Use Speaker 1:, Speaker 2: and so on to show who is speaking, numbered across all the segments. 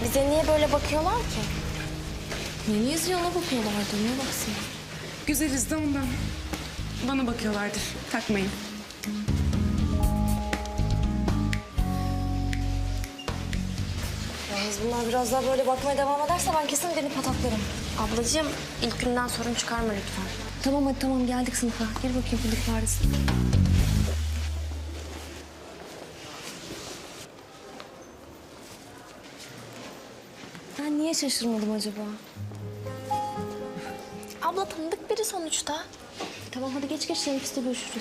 Speaker 1: Bize niye böyle bakıyorlar ki?
Speaker 2: Neniyiz yana bakıyorlardı, niye baksın?
Speaker 3: Güzeliz de ondan. Bana bakıyorlardır. Takmayın.
Speaker 1: Yalnız bunlar biraz daha böyle bakmaya devam ederse ben kesin beni pataklarım. Ablacığım ilk günden sorun çıkarma lütfen.
Speaker 2: Tamam hadi tamam geldik sınıfa. Gir bakayım fındık faresi. Ben niye şaşırmadım acaba?
Speaker 1: Abla tanıdık biri sonuçta.
Speaker 2: Tamam hadi geç geç teneffüste görüşürüz.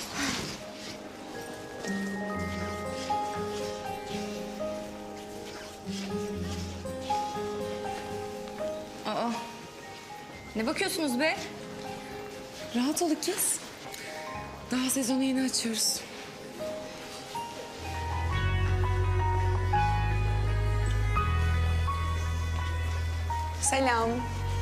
Speaker 4: Aa, ne bakıyorsunuz be?
Speaker 3: Rahat ol ikiz. Daha sezonu yeni açıyoruz. Selam.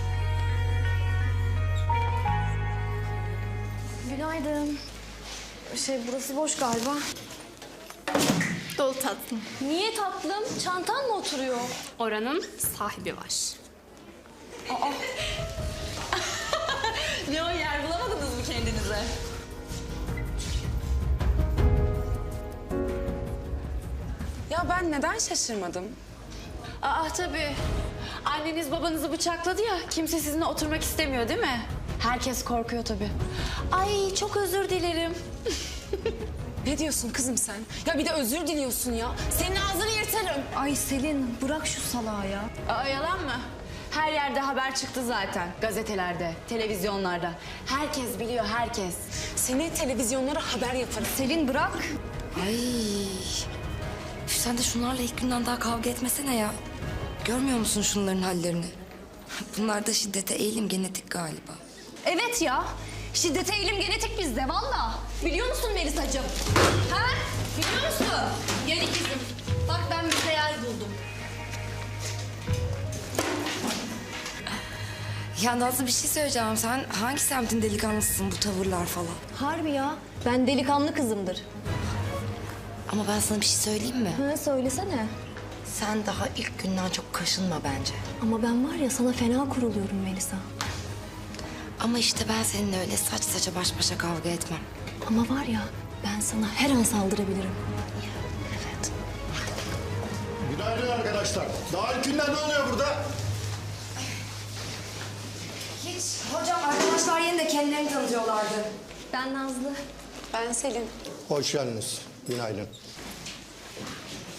Speaker 2: Günaydın. Burası boş galiba.
Speaker 4: Dolu tatlım.
Speaker 2: Niye tatlım? Çantan mı oturuyor?
Speaker 4: Oranın sahibi var.
Speaker 5: Ne o, yer bulamadınız mı kendinize?
Speaker 3: Ya ben neden şaşırmadım?
Speaker 5: Tabii. Anneniz babanızı bıçakladı ya, kimse sizinle oturmak istemiyor değil mi? Herkes korkuyor tabii. Ay çok özür dilerim.
Speaker 3: Ne diyorsun kızım sen? Ya bir de özür diliyorsun ya. Senin ağzını yırtarım.
Speaker 2: Ay Selin bırak şu salağı ya.
Speaker 5: Yalan mı? Her yerde haber çıktı zaten. Gazetelerde, televizyonlarda. Herkes biliyor, herkes.
Speaker 3: Seni televizyonlara haber yaparım.
Speaker 2: Selin bırak.
Speaker 6: Ay. Sen de şunlarla ilk günden daha kavga etmesene ya. Görmüyor musun şunların hallerini? Bunlar da şiddete eğilim genetik galiba.
Speaker 2: Evet ya. Şiddete eğilim genetik bizde valla. Biliyor musun Melisacığım? Ha? Biliyor musun? Gel ikizim. Bak ben bir hayal buldum.
Speaker 6: Ya Nazlı bir şey söyleyeceğim. Sen hangi semtin delikanlısısın bu tavırlar falan?
Speaker 2: Harbi ya. Ben delikanlı kızımdır.
Speaker 6: Ama ben sana bir şey söyleyeyim mi?
Speaker 2: Ha söylesene.
Speaker 6: Sen daha ilk günden çok kaşınma bence.
Speaker 2: Ama ben var ya sana fena kuruluyorum Melisa.
Speaker 6: Ama işte ben seninle öyle saç saça baş başa kavga etmem.
Speaker 2: Ama var ya ben sana her an saldırabilirim.
Speaker 6: Evet.
Speaker 7: Günaydın arkadaşlar. Daha ilk günden ne oluyor burada?
Speaker 6: Hiç. Hocam arkadaşlar yeni de kendilerini tanıtıyorlardı.
Speaker 2: Ben Nazlı.
Speaker 3: Ben Selin.
Speaker 7: Hoş geldiniz. Günaydın.